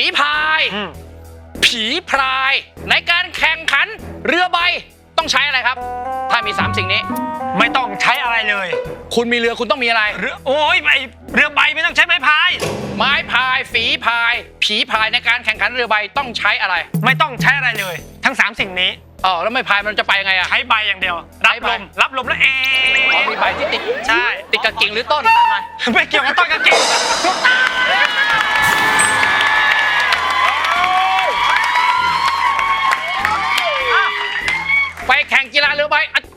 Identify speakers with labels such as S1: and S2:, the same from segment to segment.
S1: พายผีพรายในการแข่งขันเรือใบต้องใช้อะไรครับถ้ามี3สิ่งนี้
S2: ไม่ต้องใช้อะไรเลย
S1: คุณมีเรือคุณต้องมีอะไร
S2: เรือโอ้ยเรือใบไม่ต้องใช้ไม้พาย
S1: ไม้พายฝีพายผีพายในการแข่งขันเรือใบต้องใช้อะไร
S2: ไม่ต้องใช้อะไรเลยทั้ง3สิ่งนี้
S1: แล้วไม่พายมันจะไปยังไงอะ
S2: ใช้ใบอย่างเดียวรับลมแล้ว
S1: มีใบที่ติด
S2: ใช่
S1: ติดกับกิ่งหรือต้น
S2: ไม่เกี่ยวกับต้นกับกิ่ง
S1: ไปแข่งกีฬาเรือใบ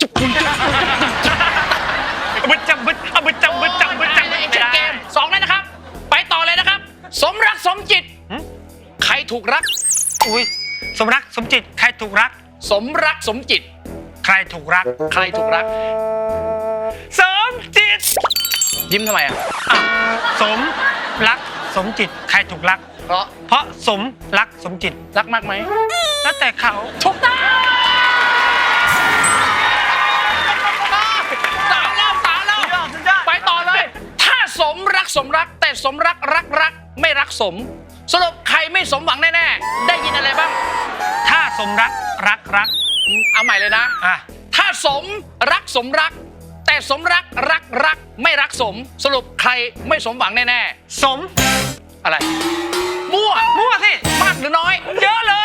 S2: บึดจำ
S1: เกม2เลยนะครับไปต่อเลยนะครับสมรักสมจิตใครถูกรัก
S2: อุ้ยสมรักสมจิตใครถูกรัก
S1: สมรักสมจิต
S2: ใครถูกรัก
S1: ใครถูกรัก
S2: สมจิต
S1: ยิ้มทำไมอ่ะ
S2: สมรักสมจิตใครถูกรักเพราะสมรักสมจิต
S1: รักมากไหม
S2: แล้วแต่เขา
S1: ถูกต้องสาวแล้วไปต่อเลยถ้าสมรักสมรักแต่สมรักไม่รักสมสรุปใครไม่สมหวังแน่ๆได้ยินอะไรบ้าง
S2: ถ้าสมรัก
S1: เอาใหม่เลยนะถ้าสมรักแต่สมรักไม่รักสมสรุปใครไม่สมหวังแน่
S2: ๆสม
S1: อะไรมั่วสิมากหรือน้อย
S2: เยอะเลย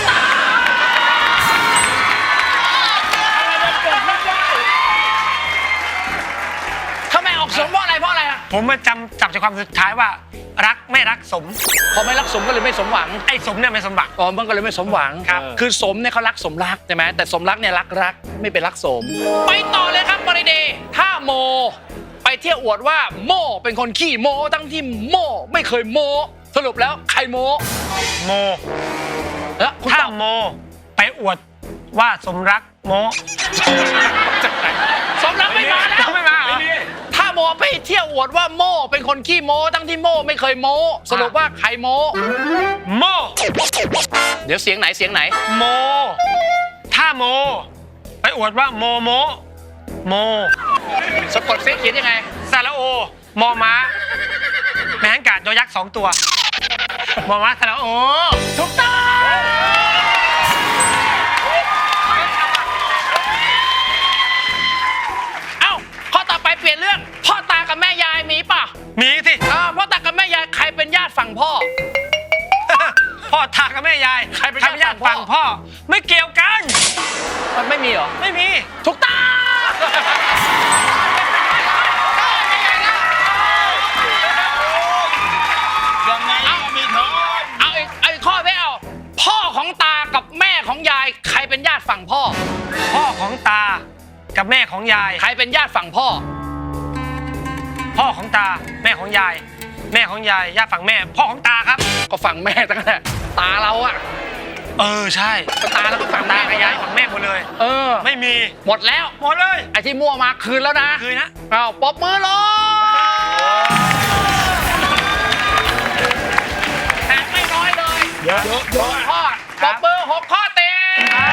S1: ทำไมออกสมเพราะอะไรอะ
S2: ผมมาจับใจความสุดท้ายว่ารักไม่รักสม
S1: พอไม่รักสมก็เลยไม่สมหวัง
S2: ไอ้สมเนี่ยไม่สมหวัง
S1: มันก็เลยไม่สมหวังคือสมเนี่ยเขารักสมรักใช่ไหมแต่สมรักเนี่ยรักไม่เป็นรักสมไปต่อเลยครับบริเดย์ถ้าโมไปเที่ยวอวดว่าโมเป็นคนขี้โมทั้งที่โมไม่เคยโมสรุปแล้วใครโม
S2: ถ้าโมไปอวดว่าสมรักโม
S1: สมรักไม่มาแล้วถ้าโมไปเที่ยวอวดว่าโมเป็นคนขี้โมทั้งที่โมไม่เคยโมสรุปว่าใครโมเดี๋ยวเสียงไหน
S2: โมถ้าโมไปอวดว่าโม
S1: สะกดเขียนยังไง
S2: สระโอมอม้าแมงกาดยอยักษ์2ตัวมอม้าสระโอ
S1: ถูกต้องข้อต่อไปเปลี่ยนเรื่องพ่อตากับแม่ยายมีป่ะ
S2: มีสิ
S1: พ่อตากับแม่ยายใครเป็นญาติฝั่งพ่อ
S2: พ่อตากับแม่ยายใครเป็นญาติฝั่งพ่อไม่เกี่ยวกัน
S1: มันไม่มีเหรอ
S2: ไม่มี
S1: ถูกต้อง
S2: ยังไงมีทอน
S1: เอาอีกข้อไม่เอาพ่อของตากับแม่ของยายใครเป็นญาติฝั่งพ่อ
S2: ของตากับแม่ของยาย
S1: ใครเป็นญาติฝั่งพ่อ
S2: ของตาแม่ของยายญาติฝั่งแม่พ่อของตาครับ
S1: ก็ฝั่งแม่ตั้งแต่ตาเราอะ
S2: ใช่
S1: ตาแล้วก็ฝั่งแม่
S2: กับยายฝั่งแม่หมดเลยไม่มี
S1: หมดเลยไอ้ที่มั่วมาคืนแล้วนะ
S2: คืนนะ
S1: ปรบมือเลยแตกไม่น้อยเลย
S2: เยอะ
S1: ข้อปรบมือ6 ข้อเต็ม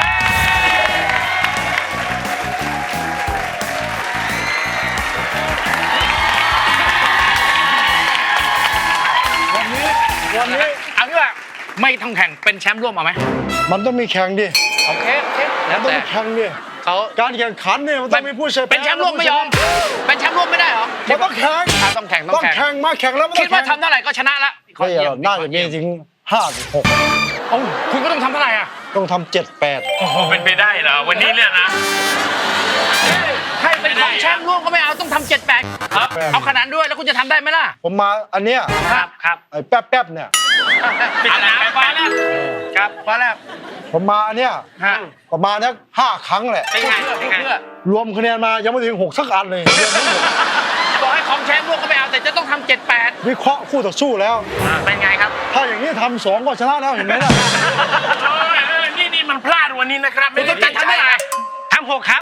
S1: วันนี้เอางี้ว่าไม่ต้องแข่งเป็นแชมป์ร่วมเอาไหม
S3: มันต้องมีแข่งดิ
S1: โอเค
S3: แล้วต้องมีแข่งดิการแข่งขันเนี่ยมันต้องมีผู้ชนะ
S1: เป็นแชมป์ร่วมไม่ยอมเป็นแชมป์ร่วมไม่ได้เหรอ
S3: มันต้องแข่ง
S1: ต้องแข่ง
S3: มาแข่งแล้ว
S1: คิดว่าทำเท่าไหร่ก็ชนะละ
S3: น่าจะมีถึง
S1: 5-6คุณก็ต้องทำเท่าไหร่อ่ะ
S3: ต้องทำ7-8
S2: โอ้โหเป็นไปได้เหรอวันนี้เนี่ยนะ
S1: ให้เป็นของแชมป์ร่วมก็ไม่เอาต้องทำ7-8เอาขนาดด้วยแล้วคุณจะทำได้ไหมล่ะ
S3: ผมมาอันเนี้ย
S2: ครับ
S3: ไอ้แป๊บเนี่ย
S2: ปิดน้ำฟ้าแล้วครับฟ้าแล้ว
S3: ผมมาอันเนี้ยประมาณนัก5 ครั้งแหละรวมคะแนนมายังไม่ถึง6 สักอันเลย
S1: บอกให้ของแชมป์ร่วมก็ไม่เอาแต่จะต้องทำ7-8
S3: วิเคราะห์คู่ต่อสู้แล้ว
S2: เป็นไงครับ
S3: ถ้าอย่างนี้ทำ2ก็ชนะแล้วเห็นไหมล่ะ
S2: นี่มันพลาดวันนี้นะครับ
S1: ไม่ต้องทำได้
S2: ทำ6 ครับ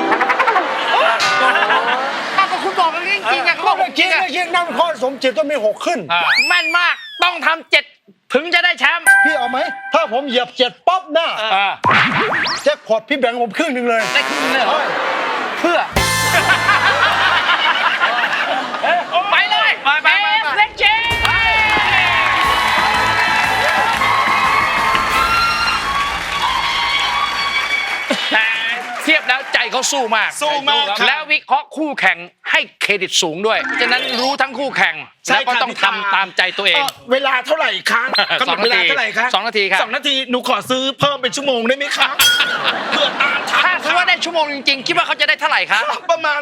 S1: ก็คุณบอกกันจริงๆเขาบอก
S3: จริงนั่งข้อสมจิตต้องมี6 ขึ้น
S1: แม่นมากต้องทำ7ถึงจะได้แชมป์
S3: พี่เอาไหมถ้าผมเหยียบ7ปั๊บหน้าแจ็คพอตพี่แบ่งผมครึ่งนึงเลย
S1: ได้ครึ่งเลยเพื่อไปเลยเล็กเจเขาสู้มาก
S4: สู้มากครับ
S1: แล้ววิเคราะห์คู่แข่งให้เครดิตสูงด้วยฉะนั้นรู้ทั้งคู่แข่ง
S4: ใช่
S1: แล้วก็
S4: ครับ
S1: ต้องทำตามใจตัวเอง
S4: เวลาเท่าไหร่คะกำหนดเวลาเท่าไหร่คะ
S1: 2 นาทีครับ
S4: 2 นาทีหนูขอซื้อเพิ่มเป็นชั่วโมงได้ไหมคะเพื่อตามทัน
S1: ถ้าสมมติว่าได้ชั่วโมงจริงๆคิดว่าเขาจะได้เท่าไหร่ครับ
S4: ประมาณ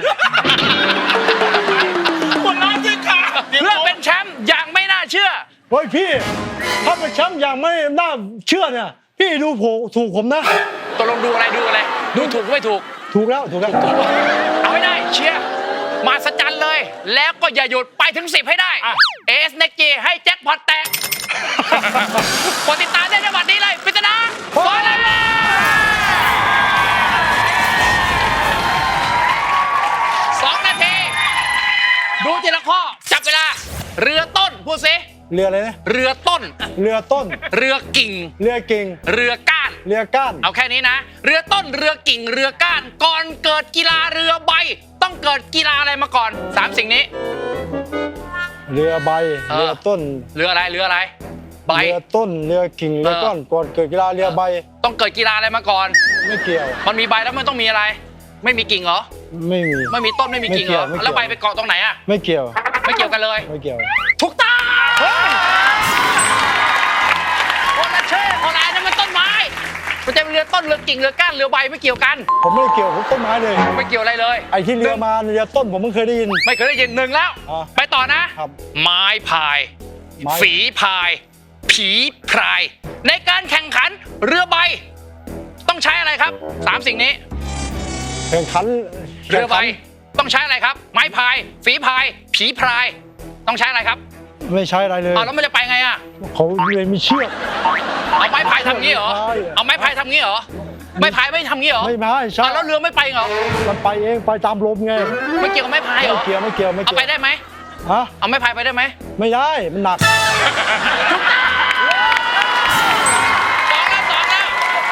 S4: คนร้ายสิคะ
S1: เพื่อเป็นแชมป์อย่างไม่น่าเชื่อ
S3: เฮ้ยพี่ถ้าเป็นแชมป์อย่างไม่น่าเชื่อเนี่ยพี่ดูถูกผมนะ
S1: ตกลงดูอะไรดูถูกไม่ถูก
S3: ถูกแล้วถูกแล้ว
S1: เอาให้ได้เชียร์มาสจันเลย แล้วก็อย่าหยุดไปถึง 10 ให้ได้เอสเน็กจีให้แจ็คพอตแตกกดติดตามได้ในวันนี้เลยปริศนาบอลเลย2 นาที ดูทีละข้อจับเวลา เรือต้นพูดสิ
S3: เรืออะไรนะ
S1: เรือต้น
S3: เรือต้น
S1: เรือกิ่ง
S3: เรือเก่ง
S1: เรือก้าน
S3: เรือก้าน
S1: เอาแค่นี้นะ เรือต้นเรือกิ่งเรือก้าน ก่อนเกิดกีฬาเรือใบ ต้องเกิดกีฬาอะไรมาก่อน 3 สิ่งนี้
S3: เรือใบเรือต้น
S1: เรืออะไรใบ
S3: เรือต้นเรือกิ่งเรือก้อนก่อนเกิดกีฬาเรือใบ
S1: ต้องเกิดกีฬาอะไรมาก่อน
S3: ไม่เกี่ยว
S1: มันมีใบแล้วมันต้องมีอะไร ไม่มีกิ่งเหรอ
S3: ไม่มี
S1: ไม่มีต้นไม่มีกิ่งเหรอ
S3: ไม่เกี่ยว
S1: แล้วใบไปเกาะตรงไหนอะ
S3: ไม่เกี่ยว
S1: ไม่เกี่ยวกันเลย
S3: ไม่เกี่ยว
S1: ถูกต้องคนละเช่คนละอันนั้นมันต้นไม้มันจะเป็นเรือต้นเรือกิ่งเรือก้านเรือใบไม่เกี่ยวกัน
S3: ผมไม่ได้เกี่ยวกับต้นไม้เลย
S1: ไม่เกี่ยวอะไรเลย
S3: ไอ้ที่เรือมาเรือต้นผมเพิ่งเคยได้ยิน
S1: ไม่เคยได้ยินหนึ่งแล้ว
S3: อ่า
S1: ไปต่อนะ
S3: ครับ
S1: ไม้พาย
S3: ไม้
S1: ฝีพาย ผีพราย ในการแข่งขันเรือใบ ต้องใช้อะไรครับ 3 สิ่งนี้
S3: แข่งขัน
S1: เรือใบต้องใช้อะไรครับ ไม้พาย ฝีพาย ผีพราย ต้องใช้อะไรครับ
S3: ไม่ใช้อะไรเลย
S1: อ้าวแล้วมันจะไปไงอะ
S3: เขาเลยมีเชือก
S1: เอาไม้พายทำงี้เหรอ
S3: ใช่
S1: เอาไม้พายทำงี้เหรอ ไม้พายไม่ทำงี้เหรอ
S3: ไม่มาใช่
S1: อ้าวแล้วเรือไม่ไปเหรอ
S3: มันไปเองไปตามลมไง
S1: ไม่เกี่ยวกับไม้พายเหร
S3: ไม่
S1: อ
S3: เกี่ยวไม่เกี่ยวไม่
S1: เอา
S3: เกี่ยว
S1: ไปได้ไหม
S3: ฮะ
S1: เอาไม้พายไปได้ไหม
S3: ไม่ได้มันหนัก
S1: สองแล้ว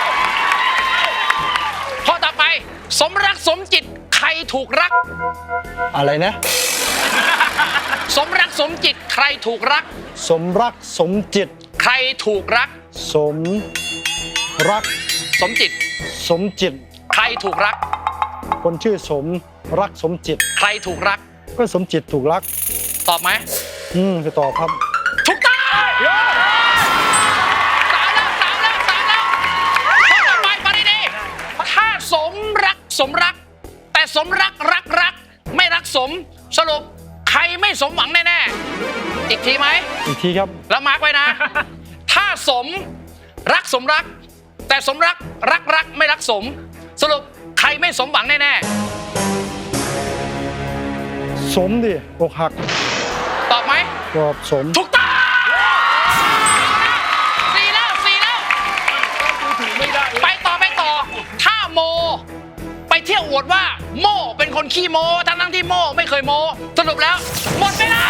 S1: ข้อต่อไป สมรักสมจิตใครถูกรัก
S3: อะไรนะ
S1: สมรักสมจิตใครถูกรัก
S3: สมรักสมจิต
S1: ใครถูกรัก
S3: สมรัก
S1: สมจิต
S3: สมจิต
S1: ใครถูกรัก
S3: คนชื่อสมรักสมจิต
S1: ใครถูกรัก
S3: ก็สมจิตถูกรัก
S1: ตอบไหม
S3: จะตอบครับ
S1: ถูกต้องสามแล้วข้อต่อไปฟังดีๆถ้าสมรัก แต่สมรักไม่รักสม สรุปใครไม่สมหวังแน่ๆอีกทีไหม
S3: อีกทีครับ
S1: แล้วมาร์กไว้นะ ถ้าสมรัก แต่สมรักไม่รักสม สรุปใครไม่สมหวังแน่
S3: สมดิอกหัก
S1: ๆตอบไหม
S3: ตอบสม
S1: ถูกต้องสี่แล้วไปต่อ ถ้าโม ไปเที่ยวอวดว่า โมเป็นคนขี้โมทั้งที่โมไม่เคยโม สรุปแล้ว หมดเวลา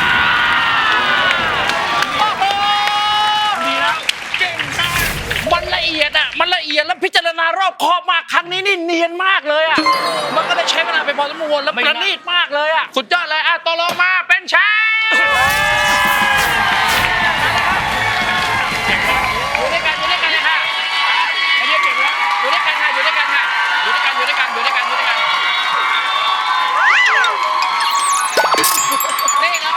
S1: โอ้โหดีแล้วเก่งมากมันละเอียดแล้วพิจารณารอบคอบมากครั้งนี้นี่เนียนมากเลยอ่ะมันก็ได้ใช้เวลาไปพอสมควรแล้วประณีตมากเลยอ่ะสุดยอดเลยอ่ะตกลงมาเป็นแชมป์อยู่ด้วยกันเลยค่ะอยู่ด้วยกันค่ะอยู่ด้วยกันนี่ไง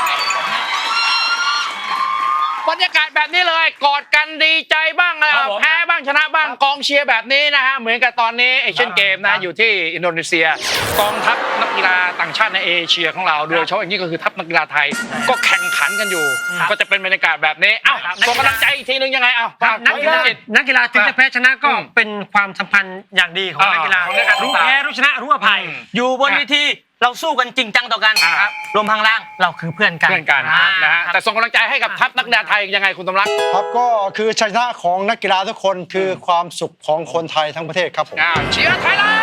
S1: บรรยากาศแบบนี้เลยกอดกันดีใจบ้างแพ้บ้างชนะบ้างกองเชียร์แบบนี้นะฮะเหมือนกับตอนนี้เอเชียนเกมนะอยู่ที่อินโดนีเซียกองทัพนักกีฬาต่างชาติในเอเชียของเราโดยเฉพาะอย่างนี้ก็คือทัพนักกีฬาไทยก็แข่งขันกันอยู่ก็จะเป็นบรรยากาศแบบนี้เอ้าส่งกำลังใจอีกทีนึงยังไงเอ้า
S2: นักกีฬาถึงจะแพ้ชนะก็เป็นความสัมพันธ์อย่างดีของนักกีฬารู้แพ้รู้ชนะรู้อภัย
S5: อยู่บนเวทีเราสู้กันจริงจังต่อกันรวมพลังล่างเราคือเพื่อนกัน
S1: นะฮะแต่ส่งกำลังใจให้กับทัพนักกีฬาไทยยังไงคุณตำรัก
S3: ครับก็คือชัยชนะของนักกีฬาทุกคนคือความสุขของคนไทยทั้งประเทศครับผม
S1: เชียร์ไทยแลนด์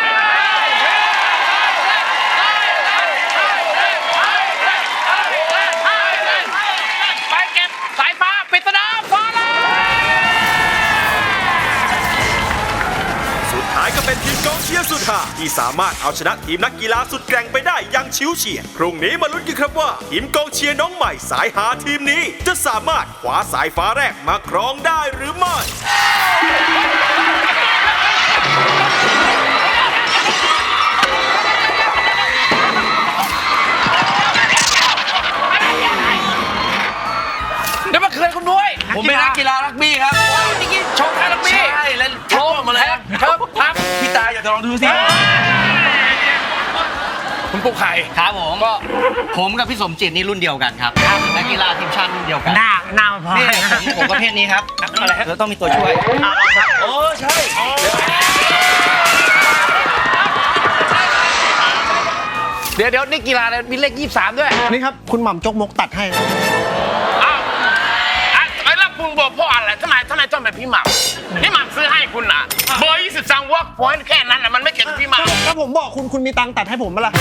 S1: ไปเก็บสายฟ้าปริศนาฟ้าแลนด์
S6: สุดท้ายก็เป็นทีมกองเชียร์สุดฮาที่สามารถเอาชนะทีมนักกีฬาสุดแกร่งไปได้อย่างชิวเฉียดพรุ่งนี้มาลุ้นกันครับว่าทีมกองเชียร์น้องใหม่สายหาทีมนี้ จะสามารถคว้าสายฟ้าแรกมาครองได้หรือไม่
S1: คืออะไรคุณนุ้ย
S5: ผมเป็นนักกีฬารักบี้ครับ
S1: ว้าวนี่กินโชว์ท่าลักบี้
S5: ใช่แล้วทักมาเลย
S1: ครับครับ
S5: พี่ตาอยากจะลองดูสิ
S1: คุณปลุกไข่
S7: ครับผมก็ผมกับพี่สมจิตนี่รุ่นเดียวกันครับนักกีฬาทีมชาติรุ่นเดียวกัน
S2: หน้าพอ
S7: นี่ผมประเภทนี้ครับเราต้องมีตัวช่วย
S5: โอ้ใช่
S1: เดี๋ยวนี่กีฬาอะไรมีเลข 23 ด้วย
S3: นี่ครับ คุณหม่ำจกมกตัดให้
S8: อ้าวไอ้แล้วคุณบอกเพราะอะไรทำไมต้องเป็นพี่หม่ำพี่หม่ำซื้อให้คุณน่ะเบอร์23 work point แค่นั้นน่ะมันไม่เกี่ยวกับพี่หม่ำ
S3: ถ้าผมบอกคุณมีตังค์ตัดให้ผมไหมล่ะ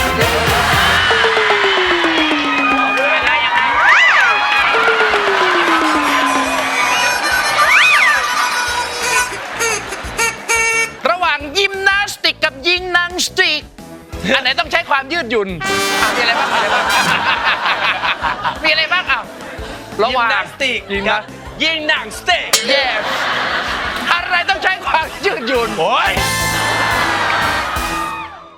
S1: ระหว่างยิมนาสติกกับยิงนังสติก อันไหนต้องใช้ความยืดหยุ่นมีอะไรบ้างมีอะไรบ้างอ่ะระหว่าง
S5: ยิมนาสติก
S1: ยิงนะ
S5: ยิงหนังสเต็ก
S1: yes อะไรต้องใช้ความยืดหยุ่น
S4: โอ้ย